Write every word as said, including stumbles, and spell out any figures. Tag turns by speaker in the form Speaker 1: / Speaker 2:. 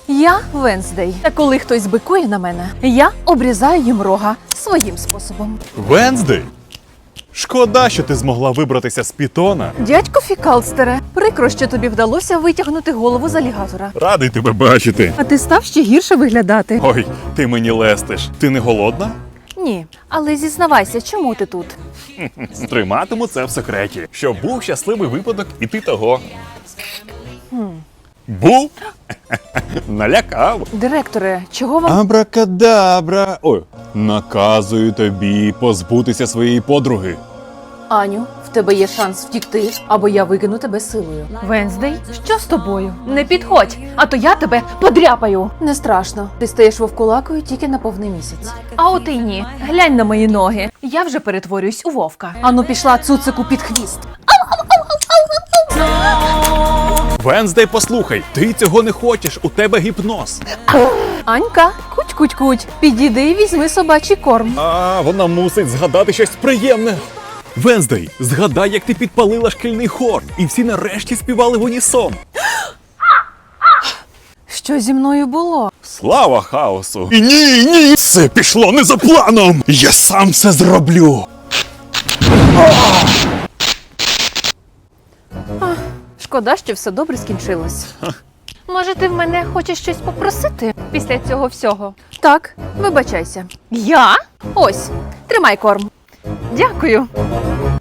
Speaker 1: Я Венздей. Та коли хтось бикує на мене, я обрізаю їм рога своїм способом.
Speaker 2: Венздей? Шкода, що ти змогла вибратися з пітона.
Speaker 1: Дядько Фікалстере, прикро, що тобі вдалося витягнути голову з алігатора.
Speaker 2: Радий тебе бачити.
Speaker 1: А ти став ще гірше виглядати.
Speaker 2: Ой, ти мені лестиш. Ти не голодна?
Speaker 1: Ні, але зізнавайся, чому ти тут?
Speaker 2: Триматиму це в секреті. Щоб був щасливий випадок, і ти того. Був? Налякав.
Speaker 1: Директоре, чого вам...
Speaker 2: Абракадабра. Ой, наказую тобі позбутися своєї подруги.
Speaker 1: Аню, в тебе є шанс втікти, або я викину тебе силою. Венздей, що з тобою? Не підходь, а то я тебе подряпаю. Не страшно, ти стаєш вовкулакою тільки на повний місяць. А от і ні, глянь на мої ноги. Я вже перетворююсь у вовка. Ану пішла цуцику під хвіст.
Speaker 2: Венздей, послухай, ти цього не хочеш, у тебе гіпноз.
Speaker 1: Анька, куть-куть-куть, підійди і візьми собачий корм.
Speaker 2: А, вона мусить згадати щось приємне. Венздей, згадай, як ти підпалила шкільний хор, і всі нарешті співали в унісон.
Speaker 1: Що зі мною було?
Speaker 2: Слава хаосу! І ні, ні! Це пішло не за планом! Я сам це зроблю!
Speaker 1: Шкода, що все добре скінчилось. Може, ти в мене хочеш щось попросити після цього всього? Так, вибачайся. Я? Ось, тримай корм. Дякую.